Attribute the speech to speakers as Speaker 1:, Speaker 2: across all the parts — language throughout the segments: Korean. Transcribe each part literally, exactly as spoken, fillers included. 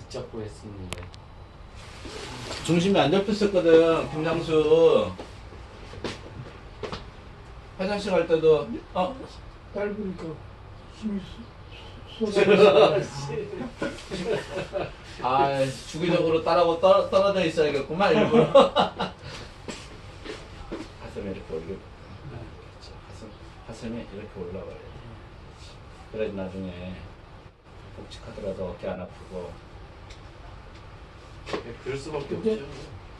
Speaker 1: 붙잡고 했었는데.
Speaker 2: 중심이 안 잡혔었거든. 김장수 화장실 갈 때도 어
Speaker 3: 짧으니까 힘이 쏟아져.
Speaker 2: 아, 주기적으로 따라고 떨, 떨어져 있어야겠구만, 일부러. 가슴에 이렇게 올리고. 그렇죠. 가슴, 가슴이 이렇게 올라가야 돼. 그래야지 나중에 복직하더라도 어깨 안 아프고.
Speaker 1: 그럴 수밖에
Speaker 3: 근데-
Speaker 1: 없죠.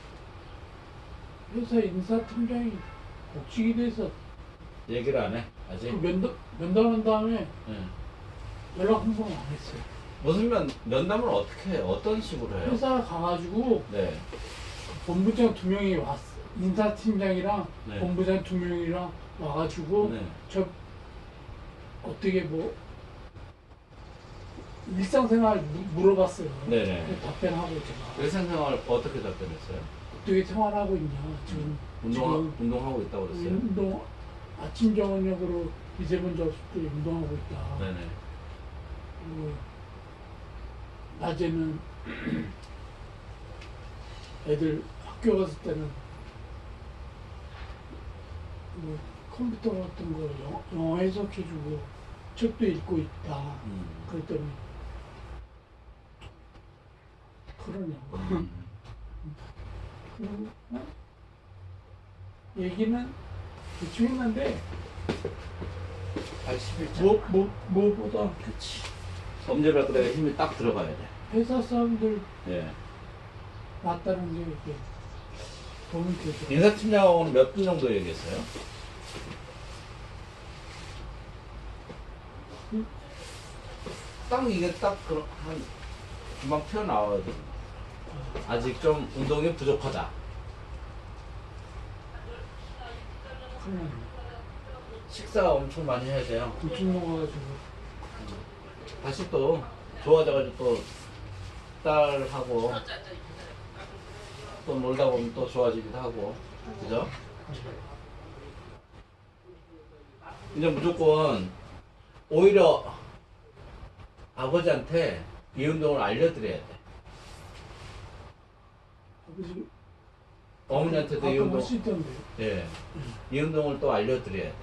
Speaker 3: 회사 인사팀장이 복직이 돼서
Speaker 2: 얘기를 안 해, 아직?
Speaker 3: 그 면담, 면담한 다음에
Speaker 2: 응.
Speaker 3: 연락 한 번 안 했어요.
Speaker 2: 무슨 면, 면담을 어떻게 해요? 어떤 식으로 해요?
Speaker 3: 회사 가가지고
Speaker 2: 네.
Speaker 3: 본부장 두 명이 왔어. 인사팀장이랑
Speaker 2: 네.
Speaker 3: 본부장 두 명이랑 와가지고
Speaker 2: 네.
Speaker 3: 저 어떻게 뭐 일상생활 무- 물어봤어요.
Speaker 2: 네네.
Speaker 3: 그 답변하고 제가
Speaker 2: 일상생활 어떻게 답변했어요?
Speaker 3: 어떻게 생활하고 있냐 지금
Speaker 2: 운동,
Speaker 3: 지금
Speaker 2: 운동하고 있다고 그랬어요?
Speaker 3: 운동 아침 저녁으로 미세먼지 없을 때 운동하고 있다.
Speaker 2: 네네.
Speaker 3: 그리고 낮에는 애들 학교 갔을 때는 뭐 컴퓨터 같은 거 영어, 영어 해석해주고 책도 읽고 있다.
Speaker 2: 음.
Speaker 3: 그랬더니 그러냐고.
Speaker 2: 음.
Speaker 3: 그리고 어? 얘기는 대충 했는데
Speaker 2: 팔십일 점.
Speaker 3: 뭐, 뭐, 무엇보다
Speaker 2: 그치. 엄지발 그래 힘이 딱 들어가야 돼.
Speaker 3: 회사 사람들
Speaker 2: 예.
Speaker 3: 맞다는 게 이렇게 도움이 되죠.
Speaker 2: 인사팀장하고는 몇 분 정도 얘기했어요?
Speaker 3: 음?
Speaker 2: 딱 이게 딱 그런 한 금방 튀어나와야 돼. 아직 좀 운동이 부족하다.
Speaker 3: 그냥
Speaker 2: 식사 엄청 많이 해야 돼요.
Speaker 3: 굴뚝 먹어가지고
Speaker 2: 다시 또 좋아져가지고 또 딸하고 또 놀다 보면 또 좋아지기도 하고, 그죠? 이제 무조건 오히려 아버지한테 이 운동을 알려드려야 돼.
Speaker 3: 아버지
Speaker 2: 어머니한테도 이
Speaker 3: 가끔
Speaker 2: 운동,
Speaker 3: 할 수 있던데.
Speaker 2: 예, 이 운동을 또 알려드려야 돼.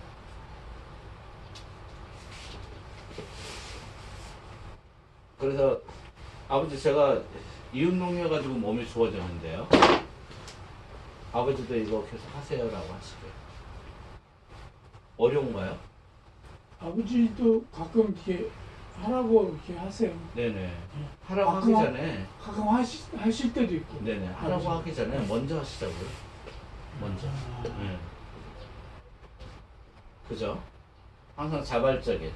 Speaker 2: 그래서 아버지 제가 이 운동 해가지고 몸이 좋아졌는데요. 아버지도 이거 계속 하세요라고 하시고요. 어려운가요?
Speaker 3: 아버지도 가끔 이렇게 하라고 이렇게 하세요.
Speaker 2: 네네. 하라고
Speaker 3: 가끔
Speaker 2: 하기
Speaker 3: 하-
Speaker 2: 전에,
Speaker 3: 가끔 하시, 하실 때도 있고.
Speaker 2: 네네. 하라고
Speaker 3: 아버지.
Speaker 2: 하기 전에 먼저 하시자고요. 먼저.
Speaker 3: 아,
Speaker 2: 네. 그죠? 항상 자발적인.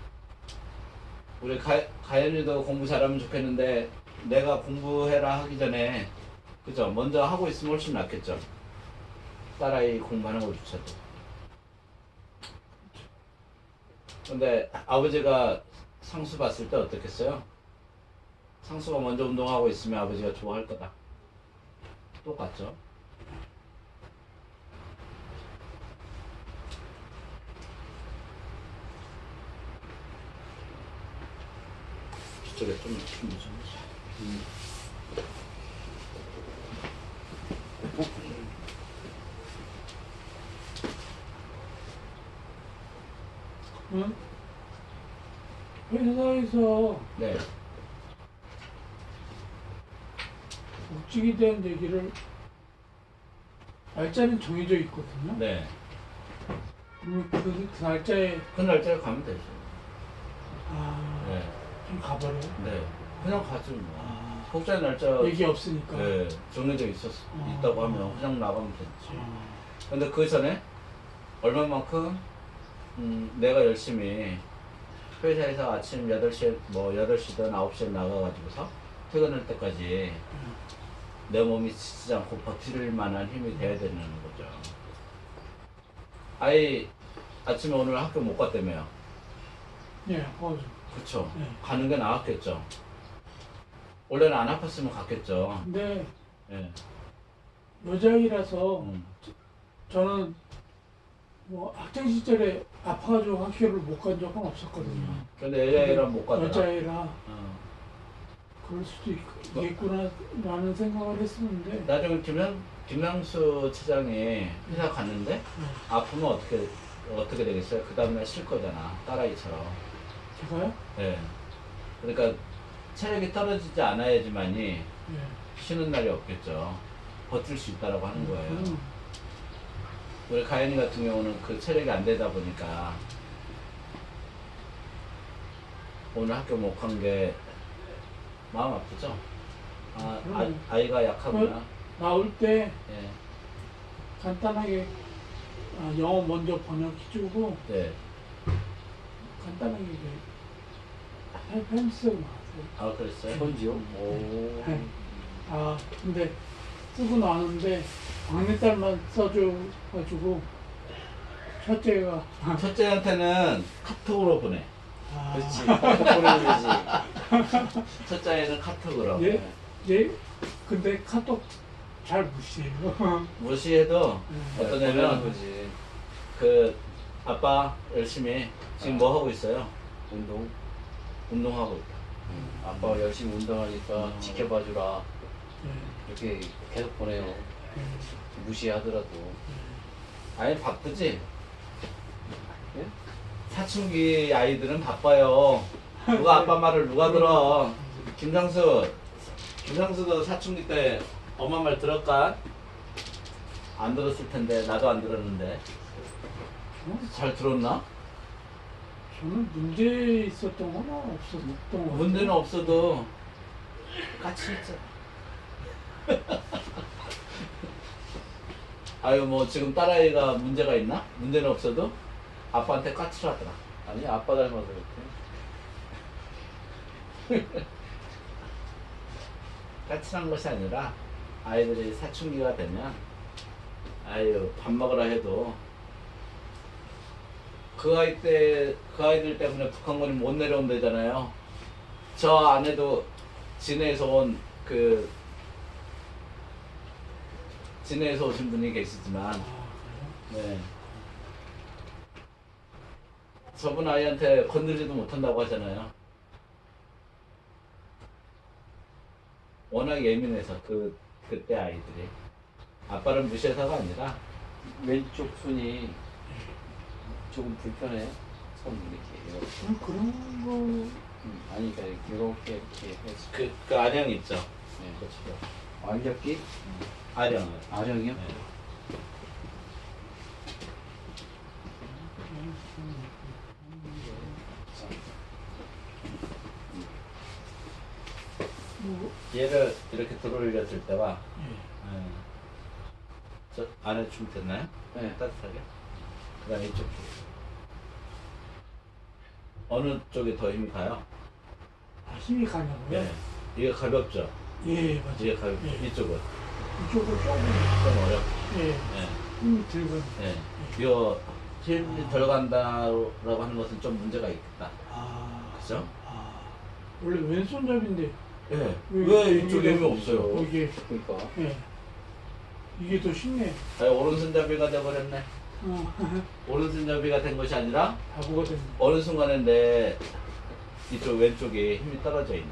Speaker 2: 우리 가, 가연이도 공부 잘하면 좋겠는데 내가 공부해라 하기 전에 그죠? 먼저 하고 있으면 훨씬 낫겠죠? 딸아이 공부하는 것조차도. 근데 아버지가 상수 봤을 때 어떻겠어요? 상수가 먼저 운동하고 있으면 아버지가 좋아할 거다. 똑같죠? 저쪽에 좀 힘이 좀. 음.
Speaker 3: 응? 회사에서
Speaker 2: 네.
Speaker 3: 복직에 대한 얘기를 날짜는 정해져 있거든요.
Speaker 2: 네.
Speaker 3: 그러면 그, 그 날짜에
Speaker 2: 그 날짜에 가면 되죠.
Speaker 3: 아,
Speaker 2: 네.
Speaker 3: 좀 가버려요.
Speaker 2: 네. 그냥 가죠 뭐.
Speaker 3: 아,
Speaker 2: 복자 날짜
Speaker 3: 얘기 없으니까.
Speaker 2: 네, 정해져 있었,
Speaker 3: 아.
Speaker 2: 있다고 하면 그냥 나가면 되지.
Speaker 3: 아,
Speaker 2: 근데 그 전에 얼마만큼 음, 내가 열심히 회사에서 아침 여덟 시에 뭐 여덟 시든 아홉 시에 나가가지고서 퇴근할 때까지 내 몸이 지치지 않고 버틸 만한 힘이 돼야 되는 거죠. 아이 아침에 오늘 학교 못 갔다며요.
Speaker 3: 예, 맞아.
Speaker 2: 그쵸?
Speaker 3: 네.
Speaker 2: 가는 게 나았겠죠. 원래는 안 아팠으면 갔겠죠.
Speaker 3: 근데
Speaker 2: 예.
Speaker 3: 여자아이라서
Speaker 2: 음.
Speaker 3: 저는 뭐 학창 시절에 아파가지고 학교를 못 간 적은 없었거든요.
Speaker 2: 근데 여자애랑 못 가더라.
Speaker 3: 여자애라
Speaker 2: 어.
Speaker 3: 그럴 수도 있- 있겠구나라는 생각을 했었는데
Speaker 2: 나중에 김양, 김양수 차장이 회사 갔는데
Speaker 3: 네.
Speaker 2: 아프면 어떻게 어떻게 되겠어요? 그 다음날 쉴 거잖아, 딸아이처럼.
Speaker 3: 제가요?
Speaker 2: 예. 그러니까 체력이 떨어지지 않아야지만이
Speaker 3: 예.
Speaker 2: 쉬는 날이 없겠죠. 버틸 수 있다라고 하는 거예요.
Speaker 3: 음,
Speaker 2: 우리 가연이 같은 경우는 그 체력이 안 되다 보니까 오늘 학교 못 간 게 마음 아프죠? 아,
Speaker 3: 음.
Speaker 2: 아 아이가 약하구나.
Speaker 3: 나올 때
Speaker 2: 예.
Speaker 3: 간단하게 아, 영어 먼저 번역해주고
Speaker 2: 네.
Speaker 3: 간단하게 펜스 나왔어요.
Speaker 2: 아, 그랬어요?
Speaker 1: 편지요? 오.
Speaker 3: 네. 아 근데 쓰고 나는데 막내딸만 써줘가지고 첫째가
Speaker 2: 첫째한테는 카톡으로 보내.
Speaker 3: 아,
Speaker 1: 그렇지. 카톡 보내면 되지.
Speaker 2: 첫째 아이는 카톡으로.
Speaker 3: 예? 얘 근데 카톡 잘 무시해요.
Speaker 2: 무시해도
Speaker 3: 네.
Speaker 2: 어떠냐면
Speaker 1: 보내는 거지.
Speaker 2: 그 아빠 열심히 지금 뭐 하고 있어요?
Speaker 1: 운동.
Speaker 2: 운동하고 있다.
Speaker 1: 아빠가 열심히 운동하니까
Speaker 2: 음.
Speaker 1: 지켜봐주라.
Speaker 3: 네.
Speaker 1: 이렇게 계속 보내요.
Speaker 3: 네.
Speaker 1: 무시하더라도.
Speaker 2: 아니 바쁘지?
Speaker 1: 예?
Speaker 2: 사춘기 아이들은 바빠요. 누가 아빠 말을 누가 들어? 김상수, 김상수도 사춘기 때 엄마 말 들었까? 안 들었을 텐데 나도 안 들었는데
Speaker 3: 어?
Speaker 2: 잘 들었나?
Speaker 3: 저는 문제 있었던 건 없었던 것 같아요.
Speaker 2: 문제는 없어도 같이 했잖아. 아유 뭐 지금 딸아이가 문제가 있나? 문제는 없어도 아빠한테 까칠을 하더라.
Speaker 1: 아니, 아빠 닮아서 그렇대.
Speaker 2: 까칠한 것이 아니라 아이들이 사춘기가 되면 아유 밥 먹으라 해도 그 아이 때 그 아이들 때문에 북한군이 못 내려온다잖아요. 저 안에도 진해에서 온 그 진해에서 오신 분이 계시지만
Speaker 3: 아, 그래요?
Speaker 2: 네. 저분 아이한테 건들지도 못한다고 하잖아요. 워낙 예민해서 그 그때 아이들이 아빠를 무시해서가 아니라
Speaker 1: 왼쪽 손이 조금 불편해. 손 이렇게. 이렇게.
Speaker 3: 음, 그런 거
Speaker 1: 음, 아니, 그러니까 이렇게 이렇게 해서.
Speaker 2: 그, 그 아령 있죠.
Speaker 1: 네.
Speaker 2: 그렇죠.
Speaker 1: 완벽히
Speaker 2: 아령.
Speaker 1: 아령이요?
Speaker 2: 네.
Speaker 3: 뭐,
Speaker 2: 얘를 이렇게 들어올렸을 때와
Speaker 3: 예.
Speaker 2: 네. 저 안에 좀 됐나요?
Speaker 1: 네.
Speaker 2: 따뜻하게. 그다음에 이쪽 쪽. 어느 쪽에 더 힘이 가요?
Speaker 3: 아, 힘이 가냐고요?
Speaker 2: 네. 이게 가볍죠.
Speaker 3: 예, 맞아요.
Speaker 2: 이게 가볍죠.
Speaker 3: 예.
Speaker 2: 이쪽은
Speaker 3: 이쪽으로 조금
Speaker 2: 좀 어렵.
Speaker 3: 예,
Speaker 2: 네.
Speaker 3: 힘이 들고.
Speaker 2: 네. 이거 힘이 덜 간다라고 하는 것은 좀 문제가 있겠다.
Speaker 3: 아,
Speaker 2: 그죠?
Speaker 3: 아, 원래 왼손잡이인데
Speaker 2: 예.
Speaker 3: 왜
Speaker 2: 왜 이쪽에
Speaker 3: 여기가
Speaker 2: 힘이 없어요?
Speaker 3: 어, 이게
Speaker 1: 그러니까.
Speaker 3: 예, 이게 더 쉽네.
Speaker 2: 아니, 오른손잡이가 돼버렸네.
Speaker 3: 어,
Speaker 2: 오른손잡이가 된 것이 아니라
Speaker 3: 바보가 됐네.
Speaker 2: 어느 순간에 내 이쪽 왼쪽에 힘이 떨어져 있네.